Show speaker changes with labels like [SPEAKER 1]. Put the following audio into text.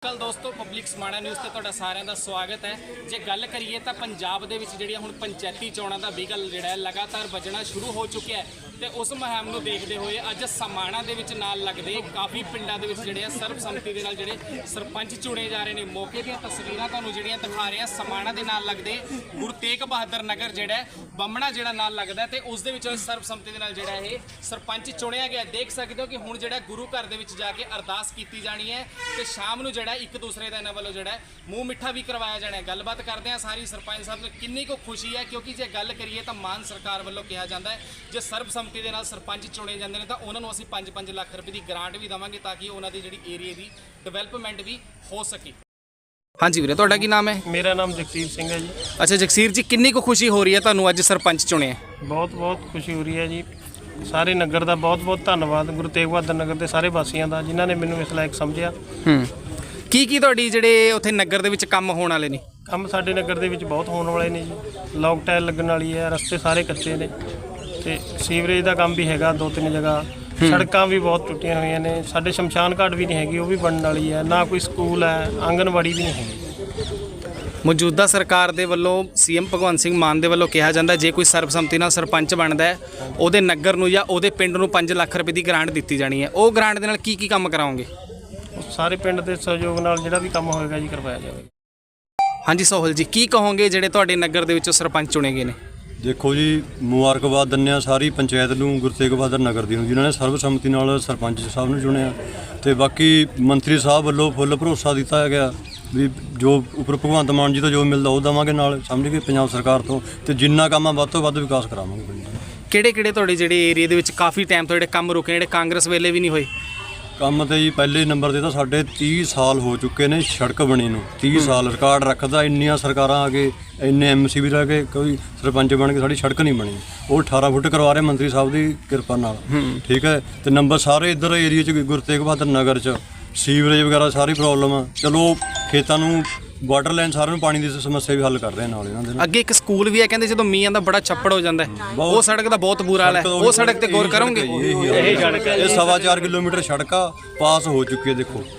[SPEAKER 1] ਅਕਾਲ ਦੋਸਤੋ, public Samana news ਤੇ ਤੁਹਾਡਾ ਸਾਰਿਆਂ ਦਾ ਸਵਾਗਤ ਹੈ। ਜੇ ਗੱਲ ਕਰੀਏ ਤਾਂ ਪੰਜਾਬ ਦੇ ਵਿੱਚ ਜਿਹੜੀਆਂ ਹੁਣ ਪੰਚਾਇਤੀ ਚੋਣਾਂ ਦਾ ਵਿਗਲ ਜਿਹੜਾ ਹੈ ਲਗਾਤਾਰ ਵੱਜਣਾ ਸ਼ੁਰੂ ਹੋ ਚੁੱਕਿਆ ਹੈ ਤੇ ਉਸ ਮੁਹਿੰਮ ਨੂੰ ਦੇਖਦੇ ਹੋਏ ਅੱਜ ਸਮਾਣਾ ਦੇ ਵਿੱਚ ਨਾਲ ਲੱਗਦੇ ਕਾਫੀ ਪਿੰਡਾਂ ਦੇ ਵਿੱਚ ਜਿਹੜੇ ਆ ਸਰਬਸੰਮਤੀ ਦੇ ਨਾਲ ਜਿਹੜੇ ਸਰਪੰਚ ਚੁਣੇ ਜਾ ਰਹੇ ਨੇ। ਮੌਕੇ ਦੀਆਂ ਤਸਵੀਰਾਂ ਤੁਹਾਨੂੰ ਜਿਹੜੀਆਂ ਦਿਖਾ ਰਹੇ ਆ ਸਮਾਣਾ ਦੇ ਨਾਲ ਲੱਗਦੇ ਗੁਰੂ ਤੇਗ ਬਹਾਦਰ ਨਗਰ ਜਿਹੜਾ ਬੰਮਣਾ ਜਿਹੜਾ ਨਾਲ ਲੱਗਦਾ ਤੇ ਉਸ ਦੇ ਵਿੱਚ ਸਰਬਸੰਮਤੀ ਦੇ ਨਾਲ ਜਿਹੜਾ ਇਹ ਸਰਪੰਚ ਚੁਣਿਆ ਗਿਆ। ਦੇਖ ਸਕਦੇ ਹੋ ਕਿ ਹੁਣ ਜਿਹੜਾ ਗੁਰੂ ਘਰ ਦੇ ਵਿੱਚ ਜਾ ਕੇ ਅਰਦਾਸ ਕੀਤੀ ਜਾਣੀ ਹੈ ਤੇ ਸ਼ਾਮ ਨੂੰ ਜਿਹੜਾ ਇੱਕ ਦੂਸਰੇ ਦਾ ਇਹਨਾਂ ਵੱਲੋਂ ਜਿਹੜਾ ਮੂੰਹ ਮਿੱਠਾ ਵੀ ਕਰਵਾਇਆ ਜਾਣਾ ਹੈ। ਗੱਲਬਾਤ ਕਰਦੇ ਆ ਸਾਰੀ ਸਰਪੰਚ ਸਾਹਿਬ ਨੂੰ ਕਿੰਨੀ ਕੁ ਖੁਸ਼ੀ ਹੈ, ਕਿਉਂਕਿ ਜੇ ਗੱਲ ਕਰੀਏ ਤਾਂ ਮਾਨ ਸਰਕਾਰ ਵੱਲੋਂ ਕਿਹਾ ਜਾਂਦਾ ਹੈ ਜੇ ਸਰਬਸੰਮਤੀ ਦੇ ਨਾਲ ਸਰਪੰਚ ਚੁਣੇ ਜਾਂਦੇ ਨੇ ਤਾਂ ਉਹਨਾਂ ਨੂੰ ਅਸੀਂ 5-5 ਲੱਖ ਰੁਪਏ ਦੀ ਗ੍ਰਾਂਟ ਵੀ ਦੇਵਾਂਗੇ ਤਾਂ ਕਿ ਉਹਨਾਂ ਦੀ ਜਿਹੜੀ ਏਰੀਆ ਦੀ ਡਿਵੈਲਪਮੈਂਟ ਵੀ ਹੋ ਸਕੇ। ਹਾਂਜੀ ਵੀਰੇ, ਤੁਹਾਡਾ ਕੀ ਨਾਮ ਹੈ?
[SPEAKER 2] ਮੇਰਾ ਨਾਮ ਜਗਸੀਰ ਸਿੰਘ ਹੈ ਜੀ।
[SPEAKER 1] ਅੱਛਾ ਜਗਸੀਰ ਜੀ, ਕਿੰਨੀ ਕੁ ਖੁਸ਼ੀ ਹੋ ਰਹੀ ਹੈ ਤੁਹਾਨੂੰ ਅੱਜ ਸਰਪੰਚ ਚੁਣਿਆ?
[SPEAKER 2] ਬਹੁਤ ਬਹੁਤ ਖੁਸ਼ੀ ਹੋ ਰਹੀ ਹੈ ਜੀ। ਸਾਰੇ ਨਗਰ ਦਾ ਬਹੁਤ ਬਹੁਤ ਧੰਨਵਾਦ, ਗੁਰੂ ਤੇਗ ਬਹਾਦਰ ਨਗਰ ਦੇ ਸਾਰੇ ਵਾਸੀਆਂ ਦਾ ਜਿਨ੍ਹਾਂ ਨੇ ਮੈਨੂੰ ਇਸ ਲਾਇਕ ਸਮਝਿਆ।
[SPEAKER 1] ਕੀ ਤੁਹਾਡੀ ਜਿਹੜੇ ਉੱਥੇ ਨਗਰ ਦੇ ਵਿੱਚ ਕੰਮ ਹੋਣ ਵਾਲੇ ਨੇ?
[SPEAKER 2] ਕੰਮ ਸਾਡੇ ਨਗਰ ਦੇ ਵਿੱਚ ਬਹੁਤ ਹੋਣ ਵਾਲੇ ਨੇ ਜੀ। ਲੌਕ ਟਾਇਲ ਲੱਗਣ ਵਾਲੀ ਹੈ, ਰਸਤੇ ਸਾਰੇ ਕੱਚੇ ਨੇ ਤੇ ਸੀਵਰੇਜ ਦਾ ਕੰਮ ਵੀ ਹੈਗਾ 2-3 ਜਗ੍ਹਾ। ਸੜਕਾਂ ਵੀ ਬਹੁਤ ਟੁੱਟੀਆਂ ਹੋਈਆਂ ਨੇ। ਸਾਡੇ ਸ਼ਮਸ਼ਾਨ ਘਾਟ ਵੀ ਨਹੀਂ ਹੈਗੀ, ਉਹ ਵੀ ਬਣਨ ਵਾਲੀ ਹੈ। ਨਾ ਕੋਈ ਸਕੂਲ ਹੈ, ਆਂਗਨਵਾੜੀ ਵੀ ਨਹੀਂ ਹੈਗੀ।
[SPEAKER 1] ਮੌਜੂਦਾ ਸਰਕਾਰ ਦੇ ਵੱਲੋਂ ਸੀਐਮ ਭਗਵੰਤ ਸਿੰਘ ਮਾਨ ਦੇ ਵੱਲੋਂ ਕਿਹਾ ਜਾਂਦਾ ਜੇ ਕੋਈ ਸਰਬਸੰਮਤੀ ਨਾਲ ਸਰਪੰਚ ਬਣਦਾ ਹੈ ਉਹਦੇ ਨਗਰ ਨੂੰ ਜਾਂ ਉਹਦੇ ਪਿੰਡ ਨੂੰ 5 ਲੱਖ ਰੁਪਏ ਦੀ ਗ੍ਰਾਂਟ ਦਿੱਤੀ ਜਾਣੀ ਹੈ। ਉਹ ਗ੍ਰਾਂਟ ਦੇ ਨਾਲ ਕੀ ਕੰਮ ਕਰਾਓਗੇ?
[SPEAKER 2] ਸਾਰੇ ਪਿੰਡ ਦੇ ਸਹਿਯੋਗ ਨਾਲ ਜਿਹੜਾ ਵੀ ਕੰਮ ਹੋਏਗਾ ਜੀ ਕਰਵਾਇਆ ਜਾਵੇਗਾ।
[SPEAKER 1] ਹਾਂਜੀ ਸੋਹਲ ਜੀ, ਕੀ ਕਹੋਗੇ ਜਿਹੜੇ ਤੁਹਾਡੇ ਨਗਰ ਦੇ ਵਿੱਚੋਂ ਸਰਪੰਚ ਚੁਣੇ ਗਏ ਨੇ?
[SPEAKER 3] ਦੇਖੋ ਜੀ, ਮੁਬਾਰਕਬਾਦ ਦਿੰਦੇ ਹਾਂ ਸਾਰੀ ਪੰਚਾਇਤ ਨੂੰ, ਗੁਰੂ ਤੇਗ ਬਹਾਦਰ ਨਗਰ ਦੀ ਨੂੰ, ਜਿਨ੍ਹਾਂ ਨੇ ਸਰਬਸੰਮਤੀ ਨਾਲ ਸਰਪੰਚ ਸਾਹਿਬ ਨੂੰ ਚੁਣਿਆ। ਤੇ ਬਾਕੀ ਮੰਤਰੀ ਸਾਹਿਬ ਵੱਲੋਂ ਫੁੱਲ ਭਰੋਸਾ ਦਿੱਤਾ ਗਿਆ ਵੀ ਜੋ ਉੱਪਰ ਭਗਵੰਤ ਮਾਨ ਜੀ ਤੋਂ ਜੋ ਮਿਲਦਾ ਉਹ ਦੇਵਾਂਗੇ, ਨਾਲ ਸਮਝ ਕੇ ਪੰਜਾਬ ਸਰਕਾਰ ਤੋਂ, ਤੇ ਜਿੰਨਾ ਕੰਮ ਆ ਵੱਧ ਤੋਂ ਵੱਧ ਵਿਕਾਸ ਕਰਾਵਾਂਗੇ ਪਿੰਡ ਦਾ।
[SPEAKER 1] ਕਿਹੜੇ ਤੁਹਾਡੇ ਜਿਹੜੇ ਏਰੀਆ ਦੇ ਵਿੱਚ ਕਾਫੀ ਟਾਈਮ ਤੋਂ ਜਿਹੜੇ ਕੰਮ ਰੁਕੇ ਜਿਹੜੇ ਕਾਂਗਰਸ ਵੇਲੇ ਵੀ ਨਹੀਂ ਹੋਏ?
[SPEAKER 3] ਕੰਮ ਤੇ ਜੀ ਪਹਿਲੇ ਨੰਬਰ 'ਤੇ ਤਾਂ ਸਾਡੇ 30 ਸਾਲ ਹੋ ਚੁੱਕੇ ਨੇ ਸੜਕ ਬਣੀ ਨੂੰ। 30 ਸਾਲ ਰਿਕਾਰਡ ਰੱਖਦਾ, ਇੰਨੀਆਂ ਸਰਕਾਰਾਂ ਆ ਕੇ ਇੰਨੇ ਐਮਸੀ ਵੀ ਰਹਿ ਕੇ ਕੋਈ ਸਰਪੰਚ ਬਣ ਕੇ ਸਾਡੀ ਸੜਕ ਨਹੀਂ ਬਣੀ। ਉਹ 18 ਫੁੱਟ ਕਰਵਾ ਰਹੇ ਮੰਤਰੀ ਸਾਹਿਬ ਦੀ ਕਿਰਪਾ ਨਾਲ, ਠੀਕ ਹੈ। ਤੇ ਨੰਬਰ ਸਾਰੇ ਇੱਧਰ ਏਰੀਏ 'ਚ ਗੁਰੂ ਤੇਗ ਬਹਾਦਰ ਨਗਰ 'ਚ ਸੀਵਰੇਜ ਵਗੈਰਾ ਸਾਰੀ ਪ੍ਰੋਬਲਮ ਆ। ਚਲੋ ਖੇਤਾਂ ਨੂੰ ਵਾਟਰ ਲਾਈਨ ਸਾਰਿਆਂ ਨੂੰ ਪਾਣੀ ਦੀ ਸਮੱਸਿਆ ਵੀ ਹੱਲ ਕਰ ਰਹੇ ਨਾਲ ਇਹਨਾਂ ਦੇ।
[SPEAKER 1] ਅੱਗੇ ਇੱਕ ਸਕੂਲ ਵੀ ਹੈ ਕਹਿੰਦੇ ਜਦੋਂ ਮੀਂਹ ਆਉਂਦਾ ਬੜਾ ਛੱਪੜ ਹੋ ਜਾਂਦਾ ਹੈ, ਉਹ ਸੜਕ ਦਾ ਬਹੁਤ ਬੁਰਾ ਹਾਲ ਹੈ। ਉਹ ਸੜਕ ਤੇ ਗੌਰ ਕਰੋਗੇ?
[SPEAKER 3] ਇਹ 4.25 ਕਿਲੋਮੀਟਰ ਸੜਕਾਂ ਪਾਸ ਹੋ ਚੁੱਕੀ ਹੈ। ਦੇਖੋ